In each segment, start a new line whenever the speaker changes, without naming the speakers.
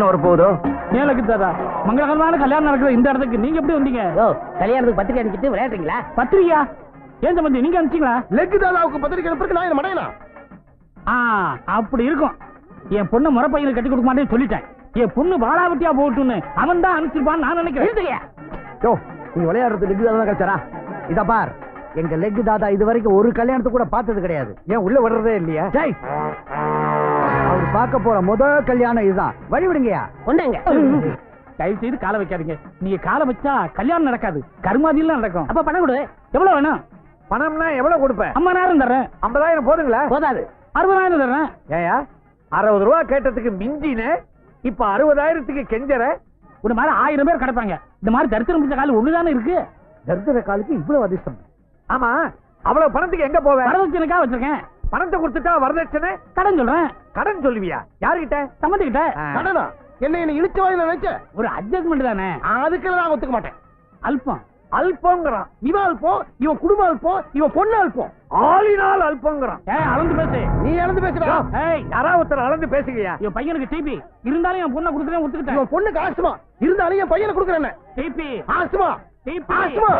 வரப்போகுதோ?
ஏன் லக்கு தாதா, மங்களகரமான கல்யாணம் நடக்கிற இந்த இடத்துக்கு நீங்க எப்படி வந்தீங்க?
கல்யாணத்துக்கு பத்திரிக்கை அனுப்பிச்சிட்டு விளையாடுறீங்களா?
பத்திரிக்கையா? ஏன் சம்பந்தி நீங்க அனுப்பிச்சீங்களா?
லெக்கு தாதாவுக்கு பத்திரிக்கை அனுப்புறதுக்கு நான் என்ன மடையனா?
அப்படி இருக்கும். என் பொண்ணு முறை பையனை கட்டி கொடுக்க மாட்டேன்னு சொல்லிட்டேன். என் பொண்ணு வாழாவட்டியா போட்டுன்னு அவன் தான் அனுப்பிச்சிருப்பான்னு நான் நினைக்கிறேன்.
நீங்க விளையாடுறது லெக்கு தாதா கிடைச்சாரா? இத பார், எங்க லெக்கு தாதா இது வரைக்கும் ஒரு கல்யாணத்துக்கு கூட பார்த்தது கிடையாது. ஏன் உள்ள வர்றதே இல்லையா? அவர் பார்க்க போற முதல் கல்யாணம் இதுதான். வழி விடுங்கயா.
கொண்டாங்க.
தயவு செய்து காலை வைக்காதீங்க. நீங்க காலை வச்சா கல்யாணம் நடக்காது, கருமாதியில நடக்கும்.
அப்ப பணம் கொடு.
எவ்வளவு வேணும்?
பணம்னா எவ்வளவு கொடுப்பேன்?
50,000 தர்றேன்.
50,000 போதுங்களா?
போதாது.
60,000 தர்றேன்.
ஏயா 60 ரூபா கேட்டதுக்கு மிஞ்சின, இப்ப 60,000க்கு கெஞ்சற.
ஒரு மாதிரி 1000 பேர் கிடப்பாங்க. இந்த மாதிரி தரித்திரம் பிடிச்ச கால் ஒண்ணுதானே இருக்கு.
தரித்திர காலுக்கு இவ்வளவு அதிர்ஷ்டம். ஆமா, அவ்வளவு பணத்துக்கு எங்க போவேன்?
வரதட்சணைக்காக வச்சிருக்கேன்.
பணத்தை கொடுத்துட்டா வரதட்சணை?
கடன் சொல்றேன்.
கடன் சொல்லுவியா? யாருகிட்ட?
சம்மந்திக்கிட்ட.
கடனா? என்ன இழுச்சு வாயில நினைச்ச?
ஒரு அட்ஜஸ்ட்மெண்ட் தானே.
அதுக்கெல்லாம் நான் ஒத்துக்க மாட்டேன்.
அல்பம்
அல்பங்கிறான். இவன் அல்பம், இவன் குடும்ப அல்பம், இவன் பொண்ணு அல்பம், ஆளினால் அல்பங்கிறான்.
அளந்து பேசு.
நீ அளந்து பேசுறா? யாராவது ஒருத்தர் அளந்து பேசுகியா?
என் பையனுக்கு டிபி இருந்தாலும் என் பொண்ணை கொடுத்துட்டேன், ஒத்துக்கிட்டேன்.
இவன் பொண்ணுக்கு ஆஸ்துமா இருந்தாலும் என் பையனை கொடுக்குறேன்.
டிபி
ஆஸ்துமா ஆஸ்துமா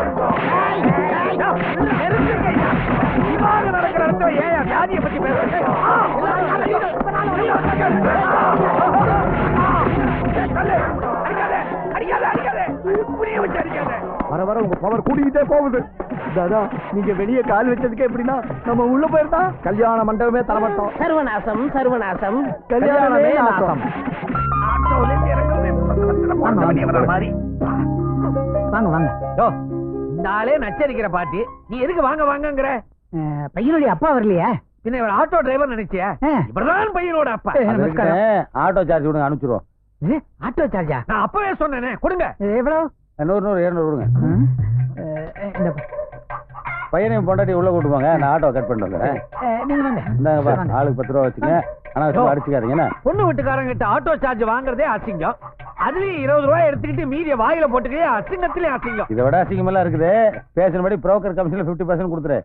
நடக்கிற இடத்துல ஏன் வியாதியை பத்தி பேசுறேன்? வர வர உங்க பவர் கூடிக்கிட்டே போகுது. தாதா, நீங்க வெளியே கால் வச்சதுக்கு எப்படின்னா நம்ம உள்ள போயிருந்தா கல்யாண மண்டபமே தரமாட்டோம்.
சர்வநாசம் சர்வநாசம்.
கல்யாணமே நாசம்.
வாங்க வாங்க.
நாளே நச்சரிக்கிற பாட்டி, நீ எதுக்கு வாங்க வாங்கங்கிற?
பையனுடைய அப்பா வரலையா?
பின்ன இவர் ஆட்டோ டிரைவர் நினைச்சியா? இவர்தான் பையனோட அப்பா.
ஆட்டோ சார்ஜ் கொடுங்க, அனுப்பிச்சிருவோம்.
ஆட்டோ சார்ஜா?
நான் அப்பவே சொன்னேனே, கொடுங்க.
எவ்வளவு?
100 200 கொடுங்க.
இந்த
பையனையும் பொண்டாட்டி உள்ள கூட்டு போங்க, நான் ஆட்டோ கட் பண்ணிட்டு வந்துடுறேன்.
நீங்க வாங்க.
இந்தாங்க, ஆளுக்கு 10 ரூபா வச்சுங்க. ஆனா அடிச்சுக்காதீங்க.
பொண்ணு வீட்டுக்காரங்க கிட்ட ஆட்டோ சார்ஜ் வாங்குறதே அசிங்கம். அதுலயும் 20 ரூபாய் எடுத்துக்கிட்டு மீதிய வாயில போட்டுக்கே அசிங்கத்திலே அசிங்கம்.
இதை விட அசிங்கம் எல்லாம் இருக்குது. பேசினபடி புரோக்கர் கமிஷன்ல 50% கொடுத்துரு.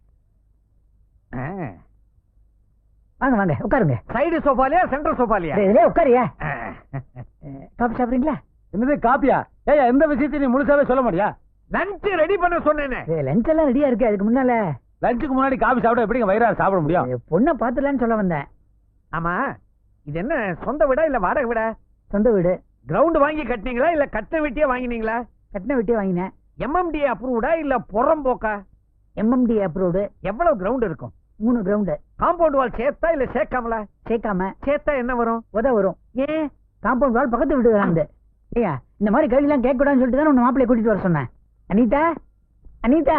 வாங்க வாங்க, உட்காருங்க.
சைடு சோஃபாலியா சென்ட்ரல் சோஃபாலியா?
இதுலயே உட்காரியா. காபி சாப்பிடுறீங்களா?
என்னது காப்பியா? ஏயா எந்த விஷயத்தையும் நீ முழுசாவே சொல்ல மாட்டியா?
லஞ்ச் ரெடி பண்ண சொன்னேனே.
லஞ்ச் எல்லாம் ரெடியா இருக்கு. அதுக்கு முன்னால
லஞ்சுக்கு முன்னாடி காபி சாப்பிட எப்படிங்க வயிறார சாப்பிட முடியும்?
பொண்ணை பாத்துலான்னு சொல்ல வந்தேன்.
ஆமா, இது என்ன சொந்த வீடா இல்ல வாடகை வீடா?
சொந்த வீடு.
கிரவுண்ட் வாங்கி கட்டினீங்களா இல்ல கட்ட வெட்டியே வாங்கினீங்களா?
கட்டின வெட்டியே வாங்கினேன்.
எம்எம்டி அப்ரூவ்டா இல்ல புறம்போக்கா?
MMT approved.
எவ்வளவு கிரவுண்ட் இருக்கும்? 3
கிரவுண்ட்.
காம்பவுண்ட் வால் சேர்த்தா இல்ல சேர்க்காமலா?
சேர்க்காம.
சேர்த்தா என்ன வரும்?
உத வரும். ஏன்? காம்பவுண்ட் வால் பக்கத்து வீட்டுக்கு. ஏயா இந்த மாதிரி கேள்வி எல்லாம் கேட்க கூடாதுன்னு சொல்லிட்டு தான் உன் மாப்பிள்ளைய கூட்டிட்டு வர சொன்னேன். அனிதா அனிதா.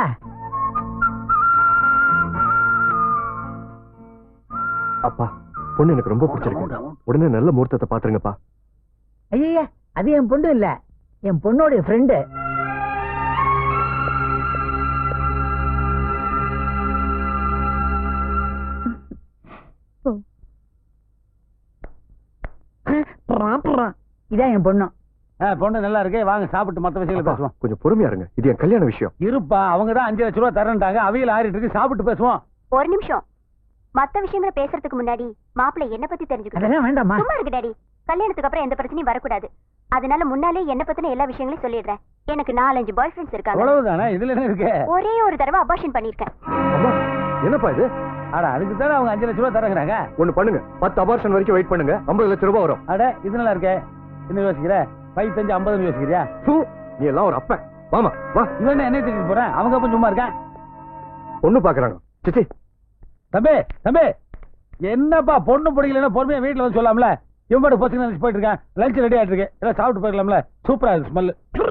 அப்பா, பொண்ணு எனக்கு ரொம்ப பிடிச்சிருக்கு. உடனே நல்ல முகூர்த்தத்தை பாத்துருங்கப்பா.
ஐயா, அது என் பொண்ணு இல்ல, என் பொண்ணோட ஃப்ரெண்டு. இதான் என் பொண்ணு.
பொண்ணு நல்லா இருக்கு. வாங்க சாப்பிட்டு மத்த விஷயங்களை பேசுவோம்.
கொஞ்சம் பொறுமையா இருங்க, இது என் கல்யாண விஷயம்.
இருப்பா, அவங்க தான் 5 லட்சம் ரூபாய் தரேன்ட்டாங்க. அவையில ஆறிட்டு இருக்கு, சாப்பிட்டு பேசுவோம்.
ஒரு நிமிஷம். மத்த விஷயங்களை பேசுறதுக்கு முன்னாடி மாப்பிள்ளை என்ன பத்தி தெரிஞ்சுக்கணும்.
அதெல்லாம் வேண்டாமா?
சும்மா இருக்கு டாடி. கல்யாணத்துக்கு அப்புறம் எந்த பிரச்சனையும் வரக்கூடாது. அதனால முன்னாலே என்ன பத்தின எல்லா விஷயங்களையும் சொல்லிடுறேன். எனக்கு 4-5 பாய் ஃப்ரெண்ட்ஸ் இருக்காங்க.
அவ்வளவுதானே? இதுல என்ன இருக்கு?
ஒரே ஒரு தடவை அபார்ஷன் பண்ணிருக்கேன்.
என்னப்பா இது?
அட, அதுக்கு தானே அவங்க 5 லட்சம் ரூபாய் தரங்கறாங்க.
ஒண்ணு பண்ணுங்க, 10 அபார்ஷன் வரைக்கும் வெயிட் பண்ணுங்க, 50 லட்சம் ரூபாய் வரும்.
அட, இது நல்லா இருக்கே. என்ன யோசிக்கிற? 5 5 50 யோசிக்கிறியா?
நீ எல்லாம் ஒரு அப்பன். வாமா வா.
இவன் என்ன திட்டிட்டு போறேன்? அவங்க அப்ப சும்மா இருக்கான்.
பொண்ணு பாக்குறாங்க. சிச்சி
தம்பி தம்பி, என்னப்பா பொண்ணு பிடிக்கலன்னா பொறுமையா வீட்டுல வந்து சொல்லாமல? இவன் போச்சு போயிட்டு இருக்கேன். லஞ்ச் ரெடி ஆயிட்டு இருக்கு, எல்லாம் சாப்பிட்டு போயிடலாம்ல? சூப்பரா இருக்கு ஸ்மெல்.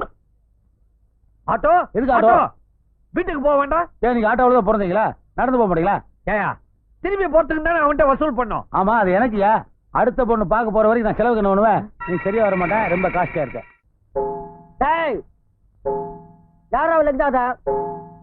ஆட்டோ
எதுக்கு ஆட்டோ?
வீட்டுக்கு போக வேண்டாம்?
ஏன் நீங்க ஆட்டோவில் தான் பிறந்தீங்களா? நடந்து போக மாட்டீங்களா?
ஏயா திரும்பி போறதுக்கு தானே அவன்கிட்ட வசூல் பண்ணோம்.
ஆமா, அது எனக்குயா. அடுத்த பொண்ணு பார்க்க போற வரைக்கும் நான் செலவுக்கு என்ன பண்ணுவேன்? நீ சரியா வர மாட்டேன், ரொம்ப காஸ்ட்லியா இருக்க.
யாரா லக்தாதா?